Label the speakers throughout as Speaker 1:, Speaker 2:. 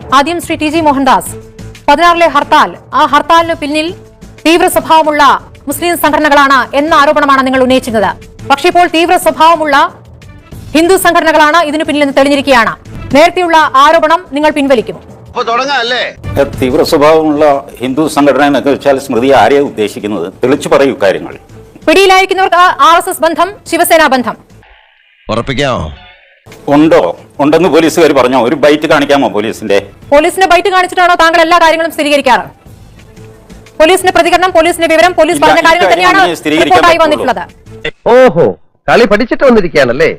Speaker 1: ആദ്യം Shri T G Mohandas, 16-ലെ ഹർത്താൽ, ആ ഹർത്താലിന് പിന്നിൽ തീവ്ര സ്വഭാവമുള്ള മുസ്ലിം സംഘടനകളാണ് എന്ന ആരോപണമാണ് നിങ്ങൾ ഉന്നയിച്ചിരുന്നത്. പക്ഷേ ഇപ്പോൾ തീവ്ര സ്വഭാവമുള്ള ഹിന്ദു സംഘടനകളാണ് ഇതിനു പിന്നിൽ തെളിഞ്ഞിരിക്കുകയാണ്. നേരത്തെയുള്ള ആരോപണം നിങ്ങൾ പിൻവലിക്കുമോ?
Speaker 2: തീവ്ര സ്വഭാവമുള്ള ഹിന്ദു സംഘടന എന്നൊക്കെ വെച്ചാൽ സ്മൃതി ആരെയാണ് ഉദ്ദേശിക്കുന്നത്? തെളിച്ചു പറയൂ കാര്യങ്ങൾ.
Speaker 1: പിടിയിലായിരിക്കുന്നവർക്ക് RSS ബന്ധം, ശിവസേന ബന്ധം
Speaker 3: ഉറപ്പിക്കാമോ?
Speaker 2: ഉണ്ടെന്ന് പോലീസുകാർ പറഞ്ഞോ? ഒരു ബൈറ്റ് കാണിക്കാമോ പോലീസിന്റെ
Speaker 1: ബൈറ്റ് കാണിച്ചിട്ടാണോ താങ്കൾ എല്ലാ കാര്യങ്ങളും സ്ഥിരീകരിക്കാറ്? പോലീസിന്റെ പ്രതികരണം, പോലീസിന്റെ വിവരം, പോലീസ് പറഞ്ഞ കാര്യങ്ങൾ തന്നെയാണ് റിപ്പോർട്ടായി വന്നിട്ടുള്ളത്.
Speaker 4: ഓഹോ, കളി പഠിച്ചിട്ട് വന്നിരിക്കുകയാണല്ലേ?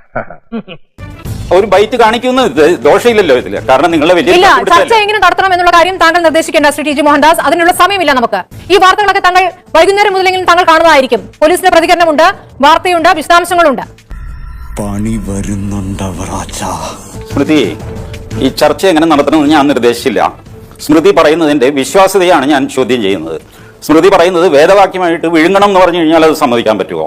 Speaker 2: ഒരു ബൈറ്റ് കാണിക്കുന്ന ദോഷമില്ലല്ലോ ഇതില്. കാരണം നിങ്ങളെ
Speaker 1: ഇല്ല, ചർച്ച എങ്ങനെ നടത്തണം എന്നുള്ള കാര്യം താങ്കൾ നിർദ്ദേശിക്കേണ്ട ശ്രീ ടി ജി മോഹൻദാസ്. അതിനുള്ള സമയമില്ല നമുക്ക്. ഈ വാർത്തകളൊക്കെ താങ്കൾ വൈകുന്നേരം മുതലെങ്കിലും താങ്കൾ കാണുന്നതായിരിക്കും. പോലീസിന്റെ പ്രതികരണമുണ്ട്, വാർത്തയുണ്ട്, വിശദാംശങ്ങളുണ്ട്.
Speaker 5: പണി വരുന്നുണ്ട്.
Speaker 2: സ്മൃതി, ഈ ചർച്ച എങ്ങനെ നടത്തണമെന്ന് ഞാൻ നിർദ്ദേശിച്ചില്ല. സ്മൃതി പറയുന്നതിന്റെ വിശ്വാസ്യതയാണ് ഞാൻ ചോദ്യം ചെയ്യുന്നത്. സ്മൃതി പറയുന്നത് വേദവാക്യമായിട്ട് വിഴുങ്ങണം എന്ന് പറഞ്ഞു കഴിഞ്ഞാൽ അത് സമ്മതിക്കാൻ പറ്റുമോ?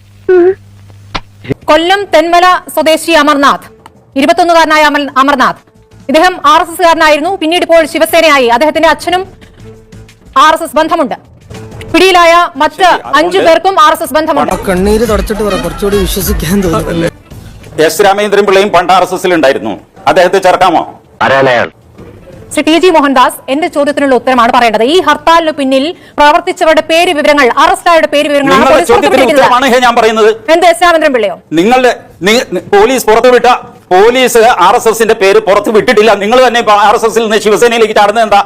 Speaker 1: കൊല്ലം തെന്മല സ്വദേശി അമർനാഥ്, 21-കാരനായ അമർനാഥ്, ഇദ്ദേഹം RSSകാരനായിരുന്നു. പിന്നീട് ഇപ്പോൾ ശിവസേനയായി. അദ്ദേഹത്തിന്റെ അച്ഛനും RSS ബന്ധമുണ്ട്. പിടിയിലായ മറ്റ് 5 പേർക്കും RSS ബന്ധമുണ്ട്.
Speaker 6: കണ്ണീര് തുടച്ചിട്ട് കുറച്ചുകൂടി വിശ്വസിക്കാൻ തോന്നുന്നു.
Speaker 2: എസ് രാമേന്ദ്രൻ പിള്ളയും പണ്ട് RSSൽ ഉണ്ടായിരുന്നു. അദ്ദേഹത്തെ ചേർക്കാമോ?
Speaker 1: ശ്രീ ടി ജി മോഹൻദാസ്, എന്റെ ചോദ്യത്തിനുള്ള ഉത്തരമാണ് പറയേണ്ടത്. ഈ ഹർത്താലിന് പിന്നിൽ പ്രവർത്തിച്ചവരുടെ പേര് വിവരങ്ങൾ, അറസ്റ്റായവരുടെ പേര് വിവരങ്ങളാണ്
Speaker 2: ഞാൻ പറയുന്നത്.
Speaker 1: എന്ത് എസ് രാമേന്ദ്രൻ പിള്ളയോ?
Speaker 2: നിങ്ങളുടെ പോലീസ് പുറത്തുവിട്ട പോലീസ് RSSന്റെ പേര് പുറത്തു വിട്ടിട്ടില്ല. നിങ്ങൾ തന്നെ RSSൽ നിന്ന് ശിവസേനയിലേക്ക് ചാടുന്നത് എന്താ?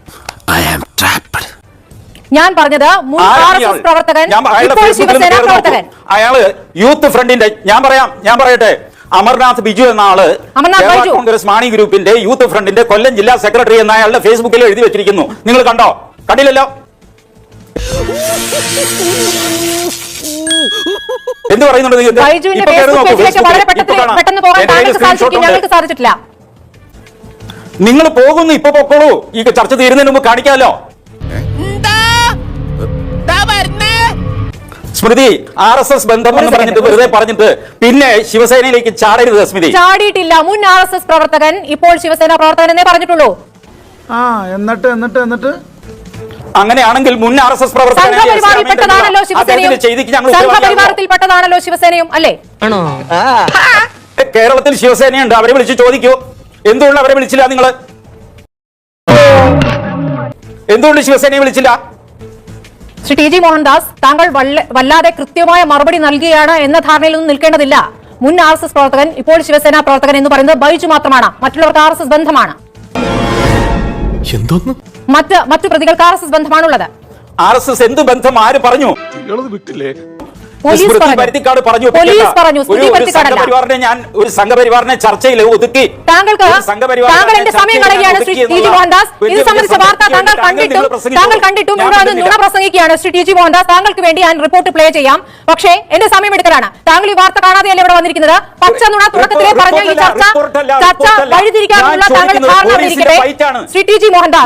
Speaker 1: ഞാൻ പറഞ്ഞത് മുൻ RSS പ്രവർത്തകൻ, ഇപ്പോൾ ശിവസേന പ്രവർത്തകൻ.
Speaker 2: അയാള് യൂത്ത് ഫ്രണ്ടിന്റെ ഞാൻ പറയട്ടെ, അമർനാഥ് ബിജു എന്ന ആള് കോൺഗ്രസ് മാണി ഗ്രൂപ്പിന്റെ യൂത്ത് ഫ്രണ്ടിന്റെ കൊല്ലം ജില്ലാ സെക്രട്ടറി എന്ന അയാളുടെ ഫേസ്ബുക്കിൽ എഴുതി വെച്ചിരിക്കുന്നു. നിങ്ങൾ കണ്ടോ? കണ്ടില്ലല്ലോ. എന്ത് പറയുന്നുണ്ട്? നിങ്ങൾ പോകുന്നു, ഇപ്പൊ പൊക്കോളൂ. ഈ ചർച്ച തീരുന്നതിന് മുമ്പ് കാണിക്കാമല്ലോ. സ്മൃതി, RSS ബന്ധം എന്ന് പറഞ്ഞിട്ട് വെറുതെ പറഞ്ഞിട്ട് പിന്നെ ശിവസേനയിലേക്ക് ചാടരുത്. സ്മൃതി
Speaker 1: ചാടിയിട്ടില്ല. മുൻ RSS പ്രവർത്തകൻ, ഇപ്പോൾ ശിവസേന പ്രവർത്തകൻ എന്നേ പറഞ്ഞിട്ടുള്ളൂ.
Speaker 7: എന്നിട്ട്
Speaker 2: അങ്ങനെയാണെങ്കിൽ മുൻ RSS
Speaker 1: സംഘപരിവാറിൽപ്പെട്ടതാണല്ലോ ശിവസേനയും, അല്ലേ?
Speaker 2: കേരളത്തിൽ ശിവസേനയുണ്ട്. അവരെ വിളിച്ച് ചോദിക്കൂ. എന്തുകൊണ്ട് അവരെ വിളിച്ചില്ല? നിങ്ങൾ എന്തുകൊണ്ട് ശിവസേനയെ വിളിച്ചില്ല?
Speaker 1: ശ്രീ ടി ജി മോഹൻദാസ്, താങ്കൾ വല്ലാതെ കൃത്യമായ മറുപടി നൽകുകയാണ് എന്ന ധാരണയിലൊന്നും നിൽക്കേണ്ടതില്ല. മുൻ RSS പ്രവർത്തകൻ, ഇപ്പോൾ ശിവസേന പ്രവർത്തകൻ എന്ന് പറയുന്നത് ബൈജു മാത്രമാണ്. മറ്റുള്ളവർക്ക് RSS ബന്ധമാണ്. മറ്റു പ്രതികൾക്ക് RSS ബന്ധമാണുള്ളത്.
Speaker 2: RSS എന്ത് ബന്ധം? ആര് പറഞ്ഞു?
Speaker 1: പോലീസ് പറഞ്ഞു.
Speaker 2: ഞാൻ ഒരു സംഘപരിവാറിനെ ചർച്ചയിൽ ഒതുക്കി.
Speaker 1: താങ്കൾ എന്റെ സമയം കളയുകയാണ് ശ്രീ ടി ജി മോഹൻദാസ്. ഇത് സംബന്ധിച്ച വാർത്ത താങ്കൾ കണ്ടിട്ടും ഇവിടെ നുണ പ്രസംഗിക്കുകയാണ് ശ്രീ ടി ജി മോഹൻദാസ്. താങ്കൾക്ക് വേണ്ടി ഞാൻ റിപ്പോർട്ട് പ്ലേ ചെയ്യാം. പക്ഷേ എന്റെ സമയം എടുക്കലാണ്. താങ്കൾ ഈ വാർത്ത കാണാതെയല്ലേ ഇവിടെ വന്നിരിക്കുന്നത്? പച്ച നുണ തുടക്കത്തിലേ പറഞ്ഞ ഈ ചർച്ച വഴിതിരിക്കാനുള്ള താങ്കളുടെ ധാരണ ഇരിക്കട്ടെ. ശ്രീ ടി ജി മോഹൻദാസ്,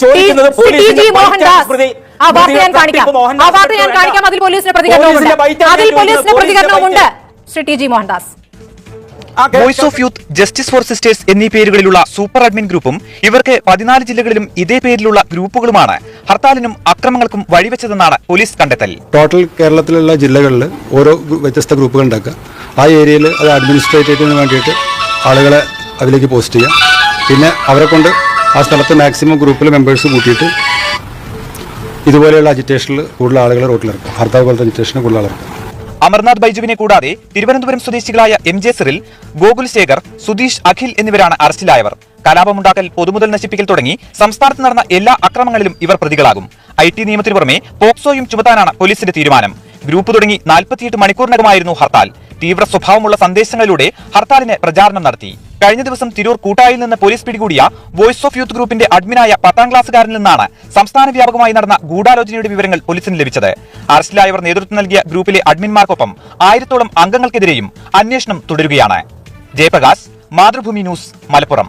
Speaker 1: ആ വാർത്ത ഞാൻ കാണിക്കാം. അതിൽ പോലീസിന്റെ പ്രതികരണവുമുണ്ട്. Shri T G Mohandas,
Speaker 8: voice of youth, justice for sisters എന്നീ പേരുകളിലുള്ള സൂപ്പർ അഡ്മിൻ ഗ്രൂപ്പും ഇവർക്ക് 14 ജില്ലകളിലും ഇതേ പേരിലുള്ള ഗ്രൂപ്പുകളുമാണ് ഹർത്താലിനും അക്രമങ്ങൾക്കും വഴിവെച്ചതെന്നാണ് പോലീസ് കണ്ടെത്തൽ.
Speaker 9: ടോട്ടൽ കേരളത്തിലുള്ള ജില്ലകളിൽ ഓരോ വ്യത്യസ്ത ഗ്രൂപ്പുകൾ ഉണ്ടാക്കുക. ആ ഏരിയയിൽ അത് അഡ്മിനിസ്ട്രേറ്റീവിന് വേണ്ടിയിട്ട് ആളുകളെ അതിലേക്ക് പോസ്റ്റ് ചെയ്യാം. പിന്നെ അവരെ കൊണ്ട് ആ സ്ഥലത്ത് മാക്സിമം ഗ്രൂപ്പിലെ മെമ്പേഴ്സ് കൂട്ടിയിട്ട് ഇതുപോലെയുള്ള അജിറ്റേഷനിൽ കൂടുതൽ ആളുകൾ റോട്ടിലിറക്കും. ഹർത്താൽ പോലത്തെ അജിറ്റേഷന് കൂടുതൽ ആളിറക്കും.
Speaker 8: അമർനാഥ് ബൈജുവിനെ കൂടാതെ തിരുവനന്തപുരം സ്വദേശികളായ MJ സിറിൽ, ഗോകുൽ ശേഖർ, സുധീഷ്, അഖിൽ എന്നിവരാണ് അറസ്റ്റിലായവർ. കലാപമുണ്ടാക്കൽ, പൊതുമുതൽ നശിപ്പിക്കൽ തുടങ്ങി സംസ്ഥാനത്ത് നടന്ന എല്ലാ അക്രമങ്ങളിലും ഇവർ പ്രതികളാകും. IT നിയമത്തിനു പുറമെ പോക്സോയും ചുമത്താനാണ് പോലീസിന്റെ തീരുമാനം. ഗ്രൂപ്പ് തുടങ്ങി 48 മണിക്കൂറിനകമായിരുന്നു ഹർത്താൽ. തീവ്ര സ്വഭാവമുള്ള സന്ദേശങ്ങളിലൂടെ ഹർത്താലിന് പ്രചാരണം നടത്തി. കഴിഞ്ഞ ദിവസം തിരൂർ കൂട്ടായിൽ നിന്ന് പോലീസ് പിടികൂടിയ വോയിസ് ഓഫ് യൂത്ത് ഗ്രൂപ്പിന്റെ അഡ്മിനായ 10ാം ക്ലാസ്സുകാരിൽ നിന്നാണ് സംസ്ഥാന വ്യാപകമായി നടന്ന ഗൂഢാലോചനയുടെ വിവരങ്ങൾ പോലീസിന് ലഭിച്ചത്. അറസ്റ്റിലായവർ നേതൃത്വം നൽകിയ ഗ്രൂപ്പിലെ അഡ്മിന്മാർക്കൊപ്പം 1000-ഓളം അംഗങ്ങൾക്കെതിരെയും അന്വേഷണം തുടരുകയാണ്. Jayaprakash, Mathrubhumi news, Malappuram.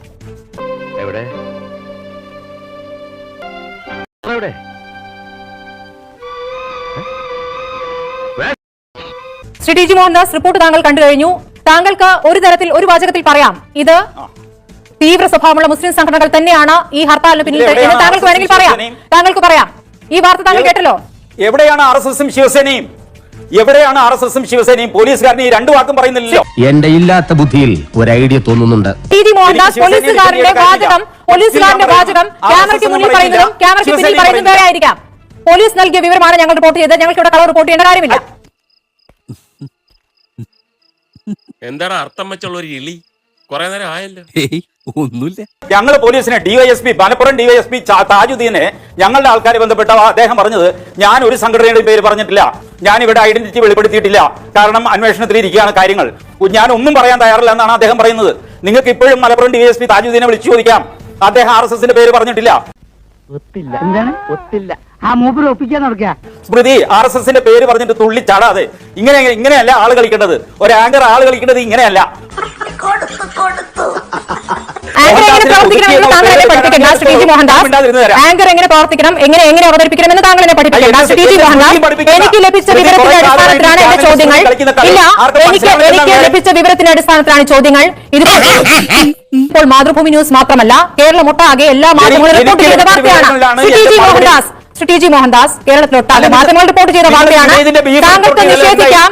Speaker 1: Shri T G Mohandas, report താങ്കൾ കണ്ടു കഴിഞ്ഞു. താങ്കൾക്ക് ഒരു തരത്തിൽ, ഒരു വാചകത്തിൽ പറയാം, ഇത് തീവ്ര സ്വഭാവമുള്ള മുസ്ലിം സംഘടനകൾ തന്നെയാണ് ഈ ഹർത്താലിന് പിന്നിൽ എന്ന് താങ്കൾക്ക് വേണമെങ്കിൽ പറയാം. താങ്കൾക്ക് പറയാം. ഈ വാർത്ത താങ്കൾ കേട്ടല്ലോ.
Speaker 2: എവിടെയാണ് RSSഉം ശിവസേനയും? എവിടെയാണ് RSSഉം ശിവസേനയും? പോലീസുകാരന് ഈ രണ്ടു വാക്കും പറയുന്നില്ലല്ലോ.
Speaker 4: എന്റെ ഇല്ലാത്ത ബുദ്ധിയിൽ ഒരു ഐഡിയ തോന്നുന്നുണ്ട്.
Speaker 1: ടി മോഹൻദാസ് പോലീസുകാരന്റെ വാചകം ക്യാമറയ്ക്ക് മുന്നിൽ പറയുന്നതും ക്യാമറയ്ക്ക് പിന്നിൽ പറയുന്നതും വേറെ ആയിരിക്കാം. പോലീസ് നൽകിയ വിവരമാണ് ഞങ്ങൾ റിപ്പോർട്ട് ചെയ്തത്. ഞങ്ങൾക്ക് ഇവിടെ കളർ റിപ്പോർട്ട് ചെയ്യേണ്ട കാര്യമില്ല.
Speaker 7: എന്താണ് അർത്ഥം വെച്ചുള്ള ഒരു ഇളി? കുറെ നേരം ആയല്ലോ.
Speaker 5: ഒന്നുമില്ല.
Speaker 2: ഞങ്ങൾ പോലീസിനെ DYSP മലപ്പുറം DYSP താജുദ്ദീനെ ഞങ്ങളുടെ ആൾക്കാരെ ബന്ധപ്പെട്ട അദ്ദേഹം പറഞ്ഞത് ഞാൻ ഒരു സംഘടനയുടെ പേര് പറഞ്ഞിട്ടില്ല, ഞാൻ ഇവിടെ ഐഡന്റിറ്റി വെളിപ്പെടുത്തിയിട്ടില്ല, കാരണം അന്വേഷണത്തിൽ ഇരിക്കുകയാണ് കാര്യങ്ങൾ, ഞാൻ ഒന്നും പറയാൻ തയ്യാറില്ല എന്നാണ് അദ്ദേഹം പറയുന്നത്. നിങ്ങൾക്ക് ഇപ്പോഴും മലപ്പുറം DYSP താജുദ്ദീനെ വിളിച്ചു ചോദിക്കാം, അദ്ദേഹം RSSന്റെ പേര് പറഞ്ഞിട്ടില്ല. സ്മൃതി RSSന്റെ പേര് പറഞ്ഞിട്ട് തുള്ളി ചാടാതെ. ഇങ്ങനെയല്ല ആള് കളിക്കേണ്ടത്. ഒരു ആങ്കർ ആള് കളിക്കേണ്ടത് ഇങ്ങനെയല്ല.
Speaker 1: ആങ്കർ എങ്ങനെ പ്രവർത്തിക്കണമെന്ന് താങ്കൾ എന്നെ പഠിപ്പിക്കണം ശ്രീ ടി മോഹൻദാസ്. ആങ്കർ എങ്ങനെ പ്രവർത്തിക്കണം, എങ്ങനെ അവതരിപ്പിക്കണമെന്ന് താങ്കൾ എന്നെ പഠിപ്പിക്കണം ശ്രീ ടി മോഹൻദാസ്. എനിക്ക് ലഭിച്ച വിവരത്തിന്റെ അടിസ്ഥാനത്തിലാണ് എന്റെ ചോദ്യങ്ങൾ. ഇല്ല, എനിക്ക് ലഭിച്ച വിവരത്തിന്റെ അടിസ്ഥാനത്തിലാണ് ചോദ്യങ്ങൾ. ഇപ്പോൾ മാതൃഭൂമി ന്യൂസ് മാത്രമല്ല, കേരളമൊട്ടാകെ എല്ലാ മാധ്യമങ്ങളും റിപ്പോർട്ട് ചെയ്ത വാർത്തയാണ്. ശ്രീ ടി ജി മോഹൻദാസ് കേരളത്തിലൊട്ടാകെ മാധ്യമങ്ങൾ റിപ്പോർട്ട് ചെയ്ത വാർത്തയാണ്. താങ്കൾക്ക് നിഷേധിക്കാം.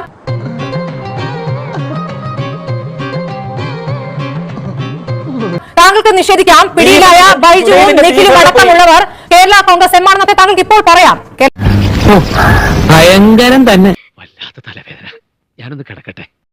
Speaker 1: താങ്കൾക്ക് നിഷേധിക്കാം പിടിയിലായ ബൈജുവും നിഖിലും അടക്കമുള്ളവർ കേരള കോൺഗ്രസ് എം ആണെന്നൊക്കെ താങ്കൾക്ക് ഇപ്പോൾ പറയാം.
Speaker 6: ഭയങ്കരം തന്നെ.
Speaker 10: വല്ലാത്ത തലവേദന, ഞാനൊന്ന് കിടക്കട്ടെ.